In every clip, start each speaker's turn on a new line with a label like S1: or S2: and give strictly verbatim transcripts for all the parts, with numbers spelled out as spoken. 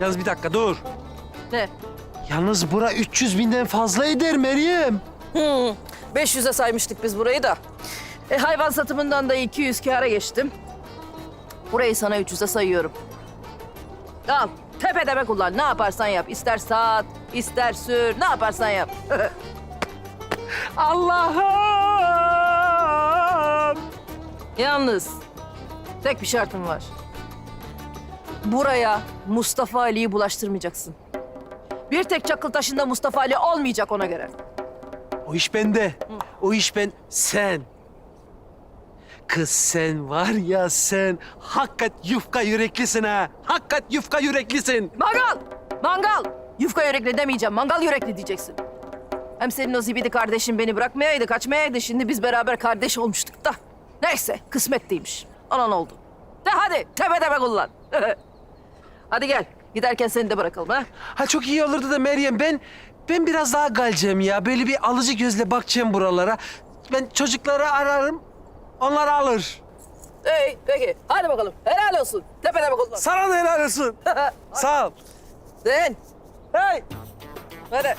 S1: Yalnız bir dakika dur.
S2: Ne?
S1: Yalnız bura üç yüz binden fazla eder Meryem.
S2: Hmm, beş yüze saymıştık biz burayı da. E, hayvan satımından da iki yüz kâra geçtim. Burayı sana üç yüze sayıyorum. Al, tepedeme kullan. Ne yaparsan yap. İster sat, ister sür. Ne yaparsan yap.
S1: Allah'ım!
S2: Yalnız tek bir şartım var. Buraya Mustafa Ali'yi bulaştırmayacaksın. Bir tek çakıl taşında Mustafa Ali olmayacak ona göre.
S1: O iş bende. O iş ben... Sen. Kız sen var ya sen hakikat yufka yüreklisin ha. Hakikat yufka yüreklisin.
S2: Mangal! Mangal! Yufka yürekli demeyeceğim, mangal yürekli diyeceksin. Hem senin o zibidi kardeşin beni bırakmayaydı, kaçmayaydı. Şimdi biz beraber kardeş olmuştuk da. Neyse, kısmet değilmiş. Anan oldu. De hadi, tepe tepe kullan. Hadi gel, giderken seni de bırakalım ha.
S1: Ha çok iyi olurdu da Meryem ben... Ben biraz daha galeceğim ya. Böyle bir alıcı gözle bakacağım buralara. Ben çocukları ararım. Onlar alır.
S2: İyi, peki. Hadi bakalım. Helal olsun. Tepe tepe kullan.
S1: Sana da helal olsun. Sağ ol.
S2: Sen.
S1: Hey!
S2: Hadi.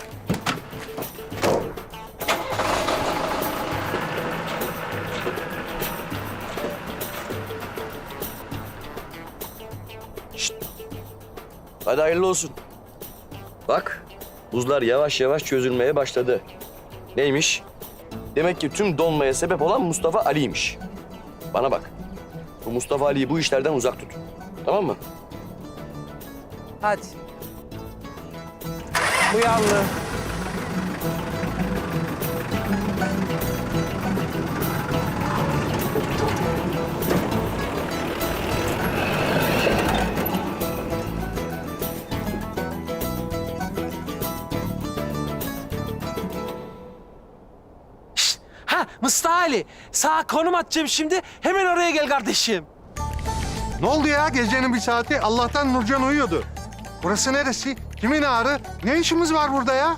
S3: Hadi hayırlı olsun. Bak, buzlar yavaş yavaş çözülmeye başladı. Neymiş? Demek ki tüm donmaya sebep olan Mustafa Ali'ymiş. Bana bak, bu Mustafa Ali'yi bu işlerden uzak tut. Tamam mı?
S1: Hadi. Bu yanlı. Şşt! Ha Mustafa Ali, sağa konum atacağım şimdi. Hemen oraya gel kardeşim.
S4: Ne oldu ya gecenin bir saati? Allah'tan Nurcan uyuyordu. Burası neresi? Kimin ağrı? Ne işimiz var burada ya?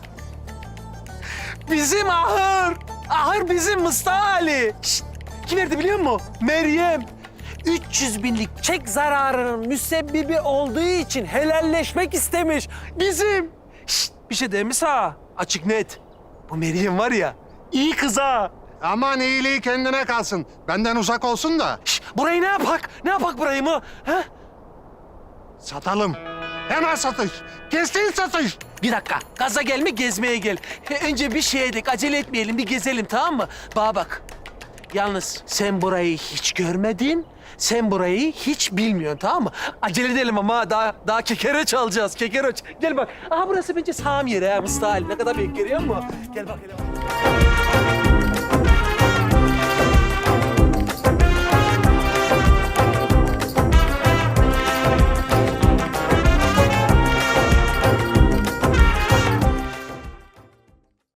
S1: Bizim ahır. Ahır bizim Mustafa Ali. Şşt! Kim verdi biliyor musun? Meryem. üç yüz binlik çek zararının müsebbibi olduğu için helalleşmek istemiş. Bizim. Şşt! Bir şey değil mi sağ? Açık net. Bu Meryem var ya, iyi kız ha.
S4: Aman iyiliği kendine kalsın. Benden uzak olsun da.
S1: Şşt! Burayı ne yapak? Ne yapak burayı mı? Ha?
S4: Satalım. Hemen satış. Kesin satış.
S1: Bir dakika. Gaza gelme, gezmeye gel. He, önce bir şey edelim, acele etmeyelim, bir gezelim tamam mı? Bana bak. Yalnız sen burayı hiç görmedin, sen burayı hiç bilmiyorsun tamam mı? Acele edelim ama daha daha kekereç alacağız, kekereç. Gel bak. Aha burası bence sağım yeri ha Mustafa Ali. Ne kadar büyük görüyor musun? Gel bak hele.